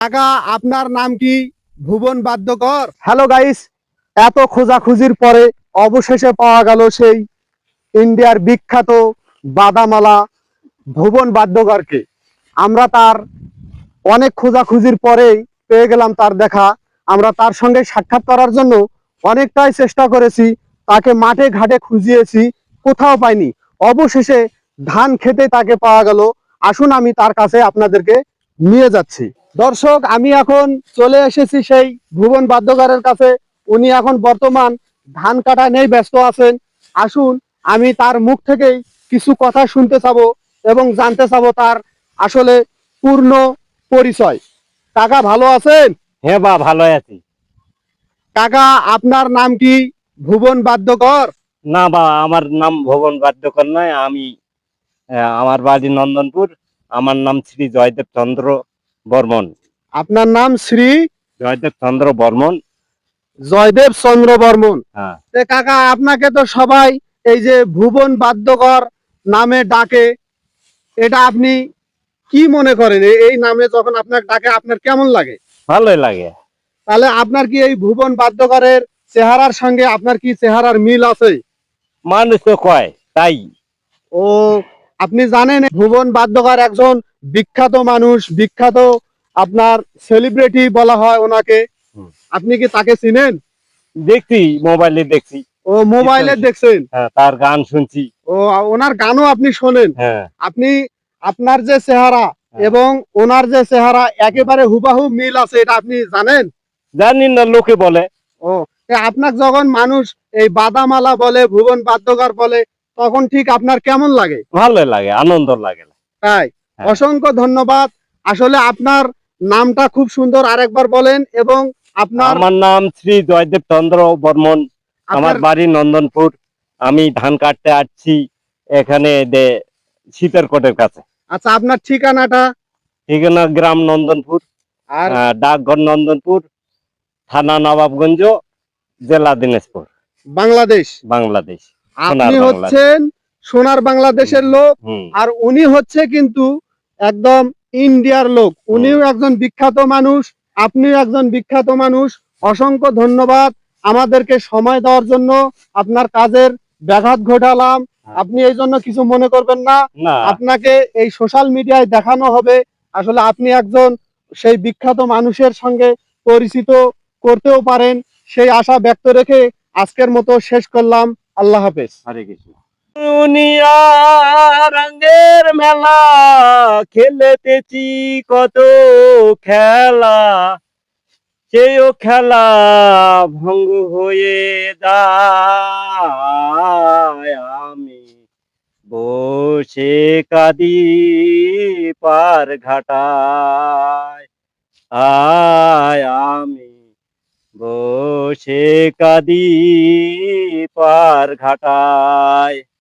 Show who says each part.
Speaker 1: কাকা, আপনার নাম কি ভুবন বাদ্যকর? হ্যালো গাইস, এত খোঁজাখুঁজির পরে অবশেষে পাওয়া গেল সেই ইন্ডিয়ার বিখ্যাত বাদামালা ভুবন বাদ্যকরকে। আমরা তার অনেক খোঁজাখুঁজির পরেই পেয়ে গেলাম তার দেখা। আমরা তার সঙ্গে সাক্ষাৎ করার জন্য অনেকটাই চেষ্টা করেছি, তাকে মাঠে ঘাটে খুঁজিয়েছি, কোথাও পাইনি। অবশেষে ধান খেতে তাকে পাওয়া গেল। আসুন আমি তার কাছে আপনাদেরকে নিয়ে যাচ্ছি। দর্শক, আমি এখন চলে এসেছি সেই ভুবন বাদ্যকরের কাছে। উনি এখন বর্তমান ধান কাটা নিয়ে ব্যস্ত আছেন। আসুন আমি তার মুখ থেকেই কিছু কথা শুনতে চাবো এবং জানতে চাবো তার আসলে পূর্ণ পরিচয়। কাকা, ভালো আছেন?
Speaker 2: হ্যাঁ বা ভালো আছি।
Speaker 1: কাকা, আপনার নাম কি ভুবন বাদ্যকর?
Speaker 2: না বা আমার নাম ভুবন বাদ্যকর নয়। আমি আমার বাড়ি নন্দনপুর। আমার নাম শ্রী জয়দেব চন্দ্র বর্মন।
Speaker 1: আপনার নাম শ্রী
Speaker 2: জয়দেব চন্দ্র বর্মন।
Speaker 1: জয়দেব চন্দ্র বর্মন।
Speaker 2: হ্যাঁ।
Speaker 1: কাকা, আপনাকে তো সবাই এই যে ভুবন বাদ্যকর নামে ডাকে, এটা আপনি কি মনে করেন? এই নামে যখন আপনার ডাকে আপনার কেমন লাগে?
Speaker 2: ভালোই লাগে।
Speaker 1: তাহলে আপনার কি এই ভুবন বাদ্যকরের চেহারার সঙ্গে আপনার কি চেহারার মিল আছে?
Speaker 2: মানুষ তো কয় তাই।
Speaker 1: ও, আপনি জানেন ভুবন বাদ্যকর একজন বিখ্যাত মানুষ, বিখ্যাত আপনার সেলিব্রিটি বলা হয় ওনাকে। আপনি কি তাকে চিনেন?
Speaker 2: দেখছি, মোবাইলে দেখছি।
Speaker 1: ও, মোবাইলে দেখছেন?
Speaker 2: হ্যাঁ, তার গান শুনছি।
Speaker 1: ও, ওনার গানও আপনি শোনেন?
Speaker 2: হ্যাঁ।
Speaker 1: আপনি আপনার যে চেহারা এবং ওনার যে চেহারা একেবারে হুবাহু মিল আছে, এটা আপনি জানেন?
Speaker 2: জানি না, লোকে বলে।
Speaker 1: ও, আপনার যখন মানুষ এই বাদামালা বলে, ভুবন বাদ্যকর বলে, তখন ঠিক আপনার কেমন লাগে?
Speaker 2: ভালোই লাগে, আনন্দ লাগে।
Speaker 1: তাই?
Speaker 2: হ্যাঁ।
Speaker 1: অসংখ্য ধন্যবাদ। আসলে আপনার নামটা খুব সুন্দর, আরেকবার বলেন। এবং আপনার
Speaker 2: আমার নাম শ্রী জয়দেব চন্দ্র বর্মন। আমার
Speaker 1: আপনার
Speaker 2: বাড়ি নন্দনপুর। আমি ধান কাটতে আসছি এখানে শীতেরকোটের কাছে।
Speaker 1: আচ্ছা, আপনার ঠিকানাটা?
Speaker 2: ঠিকানা গ্রাম নন্দনপুর,
Speaker 1: আর
Speaker 2: ডাকঘর নন্দনপুর, থানা নবাবগঞ্জ, জেলা দিনাজপুর,
Speaker 1: বাংলাদেশ?
Speaker 2: বাংলাদেশ। সোনার
Speaker 1: আপনি
Speaker 2: বাংলাদেশ।
Speaker 1: হচ্ছেন সোনার বাংলাদেশের লোক,
Speaker 2: হুম।
Speaker 1: আর উনি হচ্ছে কিন্তু একদম ইন্ডিয়ার লোক। উনিও একজন বিখ্যাত মানুষ, আপনিও একজন বিখ্যাত মানুষ। অসংখ্য ধন্যবাদ আমাদেরকে সময় দেওয়ার জন্য। আপনার কাজের ব্যাঘাত ঘটালাম, আপনি এই জন্য কিছু মনে করবেন না।
Speaker 2: না।
Speaker 1: আপনাকে এই সোশ্যাল মিডিয়ায় দেখানো হবে। আসলে আপনি একজন সেই বিখ্যাত মানুষের সঙ্গে পরিচিত করতেও পারেন, সেই আশা ব্যক্ত রেখে আজকের মতো শেষ করলাম। আল্লাহ হাফেজ।
Speaker 2: হরে কৃষ্ণ। দুনিয়া রঙের মেলা, খেলেতেছি কত খেলা, সেও খেলা ভঙ্গ হয়ে যায়। আমি বসে কাঁদি পার ঘাটায়, আমি বসে কাঁদি পার ঘাটায়।